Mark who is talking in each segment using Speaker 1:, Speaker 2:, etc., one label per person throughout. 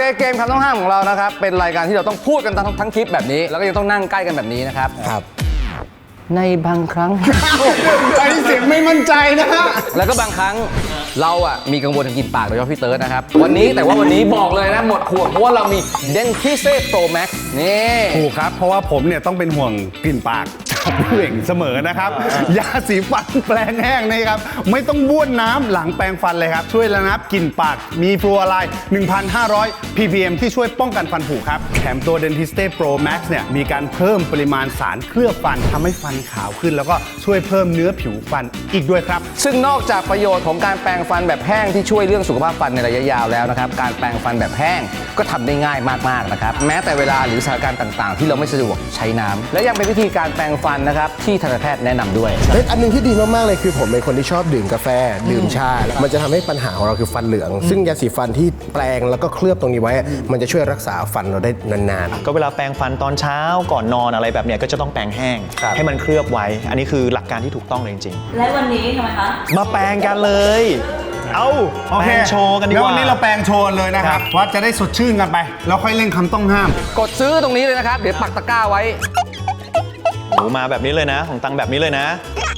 Speaker 1: เกมคำต้องห้ามของเรานะครับเป็นรายการที่เราต้องพูดกันทั้งคลิปแบบนี้แล้วก็ยังต้องนั่งใกล้กันแบบนี้นะครับ
Speaker 2: ครับ
Speaker 1: ในบางครั้ง
Speaker 2: ไอเสียงไม่มั่นใจนะฮะ
Speaker 1: แล้วก็บางครั้งเรามีกังวลทางกลิ่นปากโดยเฉพาะพี่เติร์ดนะครับวันนี้บอกเลยนะหมดห่วงเพราะว่าเรามี Dentiste Pro Max นี่
Speaker 2: ถูกครับเพราะว่าผมเนี่ยต้องเป็นห่วงกลิ่นปากจากพี่เหว่งเสมอนะครับยาสีฟันแปรงแห้งนะครับไม่ต้องบ้วนน้ำหลังแปรงฟันเลยครับช่วยระงับกลิ่นปากมีฟลูออไรด์ 1,500 ppm ที่ช่วยป้องกันฟันผุครับแถมตัว Dentiste Pro Max เนี่ยมีการเพิ่มปริมาณสารเคลือบฟันทำให้ฟันขาวขึ้นแล้วก็ช่วยเพิ่มเนื้อผิวฟันอีกด้วยครับ
Speaker 1: ซึ่งนอกจากประโยชน์ของการแปรงฟันแบบแห้งที่ช่วยเรื่องสุขภาพฟันในระยะยาวแล้วนะครับการแปรงฟันแบบแห้งก็ทำได้ง่ายมากๆนะครับแม้แต่เวลาหรือสถานการณ์ต่างๆที่เราไม่สะดวกใช้น้ำและยังเป็นวิธีการแปรงฟันนะครับที่ทันตแพทย์แนะนำด้วย
Speaker 3: อันนึงที่ดีมากๆเลยคือผมเป็นคนที่ชอบดื่มกาแฟดื่มชามันจะทำให้ปัญหาของเราคือฟันเหลืองซึ่งยาสีฟันที่แปรงแล้วก็เคลือบตรงนี้ไว้มันจะช่วยรักษาฟันเราได้นาน
Speaker 4: ๆก็เวลาแปรงฟันตอนเช้าก่อนนอนอะไรแบบเนี้ยก็จะต้องแปรงแห้งให้มันเคลือบไว้อันนี้คือหลักการที่ถูกต้องเลยจริง
Speaker 5: ๆและวันนี้ทำไมคะ
Speaker 4: มาแปรงกันเลยแปรงโชว์กันดีกว่า
Speaker 2: วันนี้เราแปรงโชว์เลยนะครับว่าจะได้สดชื่นกันไปแล้วค่อยเล่นคำต้องห้าม
Speaker 1: กดซื้อตรงนี้เลยนะครับเดี๋ยวปักตะกร้าไว้
Speaker 4: มาแบบนี้เลยนะของตังแบบนี้เลยนะ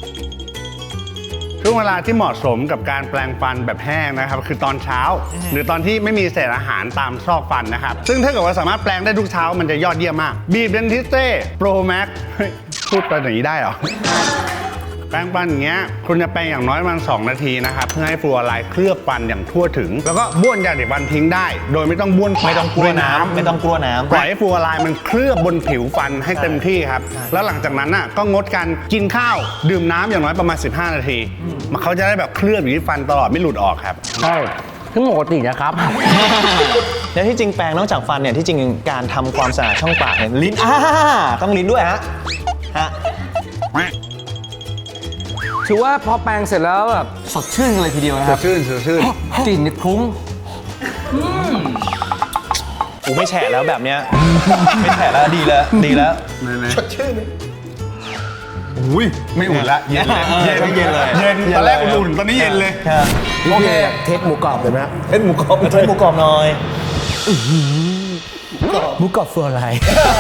Speaker 2: ช่วงเวลาที่เหมาะสมกับการแปรงฟันแบบแห้งนะครับคือตอนเช้าหรือตอนที่ไม่มีเศษอาหารตามซอกฟันนะครับซึ่งถ้าเกิดว่าสามารถแปรงได้ทุกเช้ามันจะยอดเยี่ยมมากบีบ Dentiste Pro Max พูดไปอย่างนี้ได้เหรอแปรงฟันอย่างเงี้ยคุณจะแปรงอย่างน้อยประมาณ2 นาทีนะครับเพื่อให้ฟลูออไรด์เคลือบฟันอย่างทั่วถึงแล้วก็บ้วนยาสีฟันทิ้งได้โดยไม่ต้องบ้วน
Speaker 4: ไม่ต้องกลัวน้ำ
Speaker 2: ปล่อยให้ฟลูออไรด์มันเคลือบบนผิวฟันให้เต็มที่ครับแล้วหลังจากนั้นก็งดการกินข้าวดื่มน้ำอย่างน้อยประมาณ15 นาทีมันเขาจะได้แบบเคลือบอยู่ที่ฟันตลอดไม่หลุดออกครับ
Speaker 1: ใช่คือปกตินะครับ
Speaker 4: และที่จริงแปรงนอกจากฟันเนี่ยที่จริงการทำความสะอาดช่องปากเนี่ยลิ้นต้องลิ้นด้วยฮะ
Speaker 1: ถือว่าพอแปรงเสร็จแล้วแบบสดชื่นเลยทีเดียวนะครับ
Speaker 2: สดชื่น
Speaker 1: กลิ่นนี่คลุ้ง
Speaker 4: ไม่แฉะแล้วแบบเนี้ยไม่แฉะแล้วดีแล้ว
Speaker 2: สดชื่นอุ้ยไม่อุ่นละเย็นเลยเย็นตอนแรกอุ่นตอนนี้เย็นเลย
Speaker 3: ๆโอเคเทคหมูกรอบเลยไหม
Speaker 4: เทคหมูกรอบหน่อย
Speaker 3: หมูกรอบฟลูออไรด์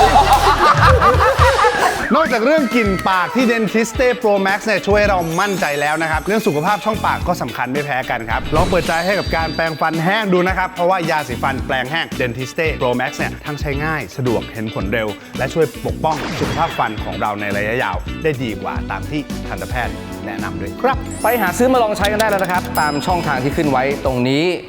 Speaker 2: นอกจากเรื่องกลิ่นปากที่ Dentiste Pro Max เนี่ยช่วยเรามั่นใจแล้วนะครับเรื่องสุขภาพช่องปากก็สำคัญไม่แพ้กันครับลองเปิดใจให้กับการแปรงฟันแห้งดูนะครับเพราะว่ายาสีฟันแปรงแห้ง Dentiste Pro Max เนี่ยทั้งใช้ง่ายสะดวกเห็นผลเร็วและช่วยปกป้องสุขภาพฟันของเราในระยะยาวได้ดีกว่าตามที่ทันตแพทย์แนะนำด้วยครับ
Speaker 1: ไปหาซื้อมาลองใช้กันได้แล้วนะครับตามช่องทางที่ขึ้นไว้ตรงนี้